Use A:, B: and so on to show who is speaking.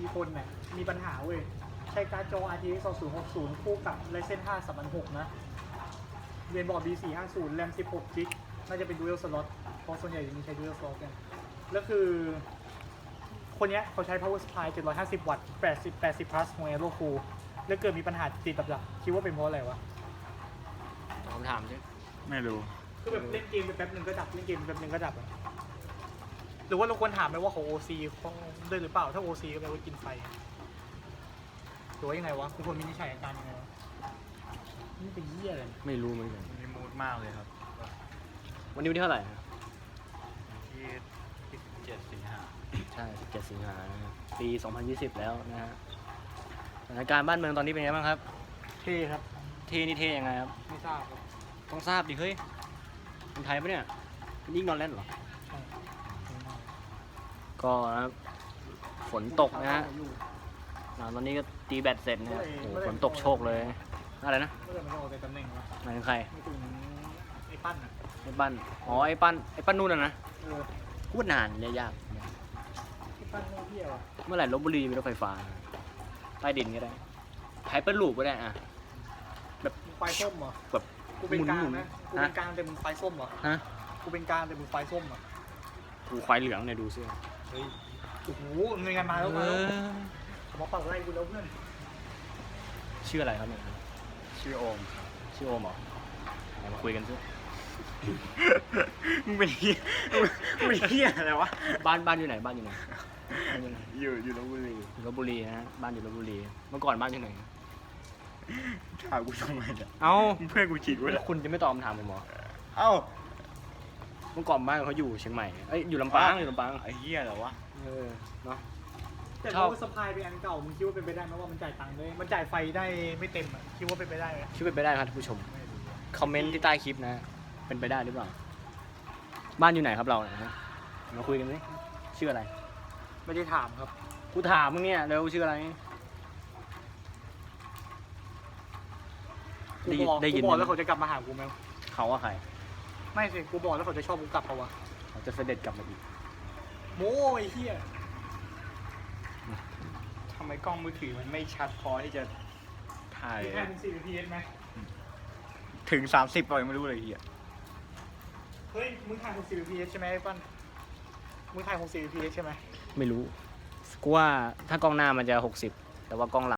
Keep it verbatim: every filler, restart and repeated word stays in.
A: คนเนี่ยมีปัญหาเว้ยใช้การ์ดจอ อาร์ ที เอ็กซ์ สองพันหกสิบ คู่กับ Ryzen ห้า สามพันหกนะเรียนบอร์ด บี สี่ห้าศูนย์ แรม สิบหก จิกน่าจะเป็น Dual Slot เพราะส่วนใหญ่จะมีใช้ Dual Slot กันแล้วคือคนเนี้ยเขาใช้ power supply เจ็ดร้อยห้าสิบ วัตต์ แปดสิบ แปดสิบ plus ของ Aero Cool แล้วเกิดมีปัญหาติดกับดักคิดว่าเป็นเพราะอะไรวะ
B: คำถามใช่
C: ไม่รู้
A: คือแบบเล่นเกมไปแป๊บหนึ่งก็ดับเล่นเกมไปแป๊บหนึ่งก็ดับอะหรือว่าเราควรถามไหมว่าของ โอ ซี เขาด้วยหรือเปล่าถ้า โอ ซี ก็แปลว่ากินไฟหรือว่ายังไงวะคุณควรมีนิสัยอาการยังไงวะนี่เป็นเหี้ยเลย
B: ไม่รู้เหมือนกัน
C: มีมูดมากเลยครับ
B: วันนี้วันที่เท่าไหร่ฮะ
C: ที่ที่สิบเจ็ดสิงหา
B: ใช่สิบเจ็ดสิงหานะครับปีสองพันยี่สิบแล้วนะฮะสถานการณ์บ้านเมืองตอนนี้เป็นไงบ้างครับ
A: เท่ครับ
B: เท่นี่เท่ยังไงครับ
A: ไม่ทราบครับ
B: ต้องทราบดิเฮ้ยคนไทยปะเนี่ยมันยิ่งนอนเล่นเหรอ
A: ใช่
B: ก็นะครับฝนตกนะฮะอ่าตอนนี้ก็ตีแบตเสร็จนะฮะโอ้โหฝนตกโชกเลย อะไรนะ
A: เมื่อไหร่มันจะออกจากตำแหน่งวะ
B: หมายถึงใคร
A: ไม่ถึงไอ้ปั้นอ่ะ
B: ไอ้ปั้นอ๋อไอ้ปั้นไอ้ปั้นนู่นน่ะนะ
A: เออ
B: พูดนานเลยยาก
A: ไอ้ปั้นไม่เที่ยวอ่ะ
B: เมื่อไหร่ลบบุรีมีรถไฟฟ้าใต้ดินก็ได้ไฮเปอร์ลูปก็ได้อะ
A: มึงไฟส้มเหรอ
B: แบบ
A: กูเป็นกลาง
B: หมุนๆ
A: นะกู
B: ฮะ
A: เป็นกลางแต่มึงไฟส้มเหรอ
B: ฮะ
A: กูเป็นกลางแต่มึงไฟส้มเหรอ
B: กูควายเหลืองเนี่ยดูเสื้อ
A: เฮ้ยโอ้โหเงินงานมาแล้ว
B: เอ
A: มาแล้ว
B: อ
A: ผมมาเป่าไล่กูแล้วเพื่อน
B: ชื่ออะไรครับเนี่ย
C: ชื่อโอม
B: ชื่อโอมเหรอไหนมาคุยกันซิ
C: มึงเป็นเฮียมึงเป็นเฮียอะไรวะ
B: บ้านบ้านอยู่ไหนบ้านอยู่ไหนบ้านอยู่ไหน
C: อยู่อยู่ลพบุรี
B: อยู่ลบบุรีนะฮะบ้านอยู่ลบบุรีเมื่อก่อนบ้านอยู่ไหน
C: ถามกูทำไมเนี่ย
B: เอ้า
C: เพื่อนกูฉีดไว้
B: แล้
C: แล้ว
B: วคุณจะไม่ตอบคำถามผมเหรอ
C: เอ้า
B: เมื่อก่อนบ้านเขาอยู่เชียงใหม่เอ้ยอยู่ลำปางอยู่ลำปาง
C: ไอ้เฮียเหรอวะ
B: เออเนาะ
A: แต่
B: ชอบ
A: พอสปายเป็นอันเก่ามึงคิดว่าเป็นไปได้ไหมว่ามันจ่ายตังค์ได้มันจ่ายไฟได้ไม่เต็มอ่ะคิดว่าเป็นไปได้ไหม
B: คิดเป็นไปได้ครับท่านผู้ชม
A: ไม่รู้
B: คอมเมนต์ที่ใต้คลิปนะเป็นไปได้หรือเปล่าบ้านอยู่ไหนครับเราเนี่ยฮะมาคุยกันสิชื่ออะไร
A: ไม่ได้ถามครับ
B: กูถามมึงเนี่ยเร็วชื่ออะไร
A: กูบอก
B: ได้ยิน
A: กูบอก
B: ไหม
A: แล้วเขาจะกลับมาหากูไหม
B: เขาว่าใคร
A: ไม่สิกูบอกแล้วเขาจะชอบกูกลับเปล่าวะ
B: เขาจะเสด็จกลับมาอีก
A: โม้ไอ้เหี้ย
C: ทำไมกล้องมือถือมันไม่ชัดพอที่จะถ่าย
A: มีแค่ถึงสี่ พี เอสไหม
C: ถึงสามสิบป่ะยังไม่รู้เลยเฮีย
A: เฮ้ยมึงถ่ายหกสิบ พี เอสใช่ไหมไอ้ปั้นมึงถ่ายหกสิบ พี เอสใช่ไหม
B: ไม่รู้กูว่าถ้ากล้องหน้ามันจะหกสิบแต่ว่ากล้องหลัง